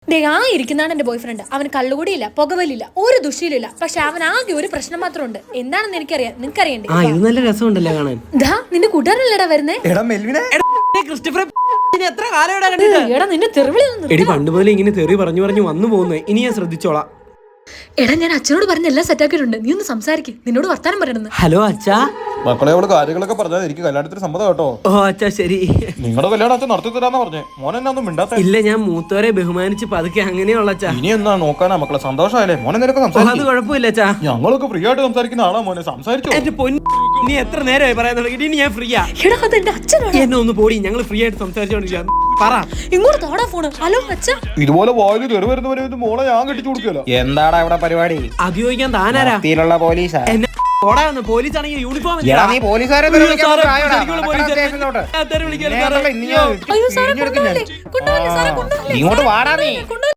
ആ ഇരിക്കുന്നതാണ് എന്റെ ബോയ് ഫ്രണ്ട്. അവന് കള്ളുകൂടിയില്ല, പുകവലില്ല, ഒരു ദുഷിയിലില്ല. പക്ഷെ അവൻ ആകെ ഒരു പ്രശ്നം മാത്രമുണ്ട്. എന്താണെന്ന് എനിക്കറിയാം, നിനക്ക് അറിയണ്ടേ? ഇത് നല്ല രസമുണ്ടല്ലേ കാണാൻ? നിന്റെ കൂട്ടുകാരനല്ലേടാ വരുന്നേ? എടാ നിന്റെ തെറിവിളി എടി പണ്ട് മുതലേ ഇങ്ങനെ തെറി പറഞ്ഞു പറഞ്ഞു വന്നു പോകുന്നേ. ഇനി ഞാൻ ശ്രദ്ധിച്ചോളാം. എടാ ഞാൻ അച്ഛനോട് പറഞ്ഞ എല്ലാം സെറ്റാക്കിയിട്ടുണ്ട്. നീ ഒന്ന് സംസാരിക്കും, നിന്നോട് വർത്താനം പറയണമെന്ന്. ഹലോ അച്ഛാ. മക്കളെ അവള് കാര്യങ്ങളൊക്കെ പറഞ്ഞാൽ എനിക്ക് കല്യാണത്തിന് സമ്മതം കേട്ടോ. ഓ അച്ഛാ ശരി. നിങ്ങളുടെ കല്യാണം അച്ഛൻ നടത്തി തരാന്ന് പറഞ്ഞേ. മോൻ എന്നാ ഒന്നും മിണ്ടാത്ത? ഇല്ല, ഞാൻ മൂത്തവരെ ബഹുമാനിച്ച് പതുക്കെ അങ്ങനെയുള്ള അച്ഛാ. ഇനി എന്നാ നോക്കാനാ മക്കളെ? സന്തോഷമായില്ലേ മോനെ? നിനക്ക് അത് കുഴപ്പമില്ല അച്ഛാ. ഞങ്ങളൊക്കെ ഫ്രീ ആയിട്ട് സംസാരിക്കുന്ന ആളാ മോനെ. സംസാരിച്ചോ. എന്റെ പൊന്നു, നീ എത്ര നേരമായി പറയാൻ തുടങ്ങി? ഇനി ഞാൻ ഫ്രീയാ. എന്നെ ഒന്ന് പോടി, ഞങ്ങൾ ഫ്രീ ആയിട്ട് സംസാരിച്ചോണ്ടിരിക്കാം. പറ. ഇങ്ങോട്ട് താടാ ഫോണ്. ഹലോ അച്ഛാ. ഇതുപോലെ വായിൽ തെറി വരുന്നവരെ മോളെ ഞാൻ കെട്ടിച്ചു കൊടുക്കല്ലോ. എന്താടാ ഇവിടെ പരിപാടി? അത് ചോദിക്കാൻ താനാരാ? പോലീസാ. പോലീസ് ആണെങ്കിൽ യൂണിഫോം നീ പോലീസുകാരെ അയ്യോ സാറേ, കൊണ്ടുപോകല്ലേ, കൊണ്ടുപോകല്ലേ സാറേ, കൊണ്ടുപോകല്ലേ. ഇങ്ങോട്ട് വാടാ നീ.